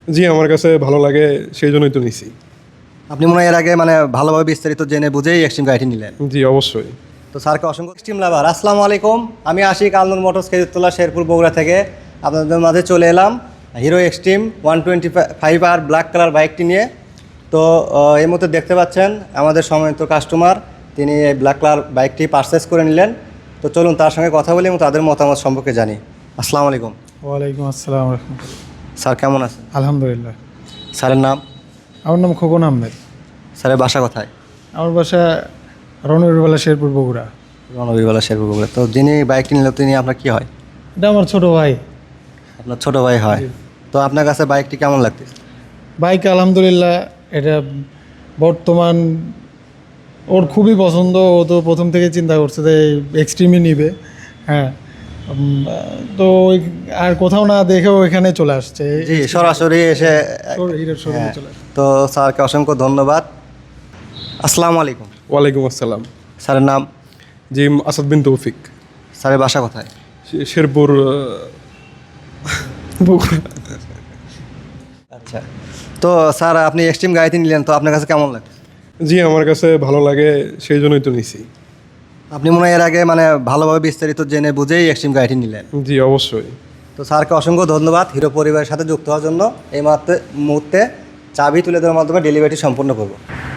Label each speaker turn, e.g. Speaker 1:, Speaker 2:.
Speaker 1: জি, আমার কাছে ভালো লাগে, সেই জন্যই তো নিছি।
Speaker 2: আপনি মনে হয় এর আগে মানে ভালোভাবে বিস্তারিত জেনে বুঝেই এক্সট্রিম গাড়িটি নিলেন।
Speaker 1: জি, অবশ্যই।
Speaker 2: তো স্যারকে অসংখ্য এক্সট্রিম লাভার আসসালামু আলাইকুম। আমি আশিক আলনুর মোটরস খেজুরতলা শেরপুর বগুড়া থেকে আপনাদের মাঝে চলে এলাম হিরো এক্সট্রিম 125 আর ব্ল্যাক কালার বাইকটি নিয়ে। তো এই মুহূর্তে দেখতে পাচ্ছেন আমাদের সম্মানিত কাস্টমার তিনি এই ব্ল্যাক কালার বাইকটি পারচেস করে নিলেন। তো চলুন তার সঙ্গে কথা বলি এবং তাদের মতামত সম্পর্কে জানি। আসসালামু আলাইকুম।
Speaker 3: ওয়ালাইকুম আসসালাম রহমতুল্লাহ।
Speaker 2: স্যার কেমন আছেন?
Speaker 3: আলহামদুলিল্লাহ।
Speaker 2: স্যারের নাম?
Speaker 3: আমার নাম খোকন আহমেদ।
Speaker 2: স্যারের বাসা কোথায়?
Speaker 3: আমার বাসা রণবীরবালা শেরপুর বগুড়া।
Speaker 2: রণবীরবালা শেরপুর বগুড়া। তো যিনি বাইকটি নিল তিনি আপনার কি হয়?
Speaker 3: এটা আমার ছোট ভাই।
Speaker 2: আপনার ছোট ভাই হয়। তো আপনার কাছে বাইকটি কেমন লাগতেছে?
Speaker 3: বাইক আলহামদুলিল্লাহ, এটা বর্তমান ওর খুবই পছন্দ। ও তো প্রথম থেকে চিন্তা করছে যে এক্সট্রিমই নিবে। হ্যাঁ, তো আর কোথাও না দেখেও এখানে চলে আসছে।
Speaker 2: জি, সরাসরি এসে
Speaker 3: হিরোর শোরুমে
Speaker 2: হ্যাঁ।
Speaker 3: চলে আসছে।
Speaker 2: তো স্যারকে অসংখ্য ধন্যবাদ। আসসালামু আলাইকুম।
Speaker 1: ওয়ালাইকুম আসসালাম।
Speaker 2: স্যারের নাম?
Speaker 1: জি, আসাদ বিন তৌফিক।
Speaker 2: স্যারের বাসা কোথায়?
Speaker 1: শেরপুর, বগুড়া।
Speaker 2: আচ্ছা। তো স্যার আপনি এক্সট্রিম গাড়িতে নিলেন, তো আপনার কাছে কেমন লাগে?
Speaker 1: জি, আমার কাছে ভালো লাগে, সেই জন্যই তো নিছি।
Speaker 2: আপনি মনে হয় এর আগে মানে ভালোভাবে বিস্তারিত জেনে বুঝেই এক্সট্রিম গাড়িটি নিলেন।
Speaker 1: জি, অবশ্যই।
Speaker 2: তো স্যারকে অসংখ্য ধন্যবাদ হিরো পরিবারের সাথে যুক্ত হওয়ার জন্য। এই মুহূর্তে চাবি তুলে দেওয়ার মাধ্যমে ডেলিভারিটি সম্পূর্ণ করব।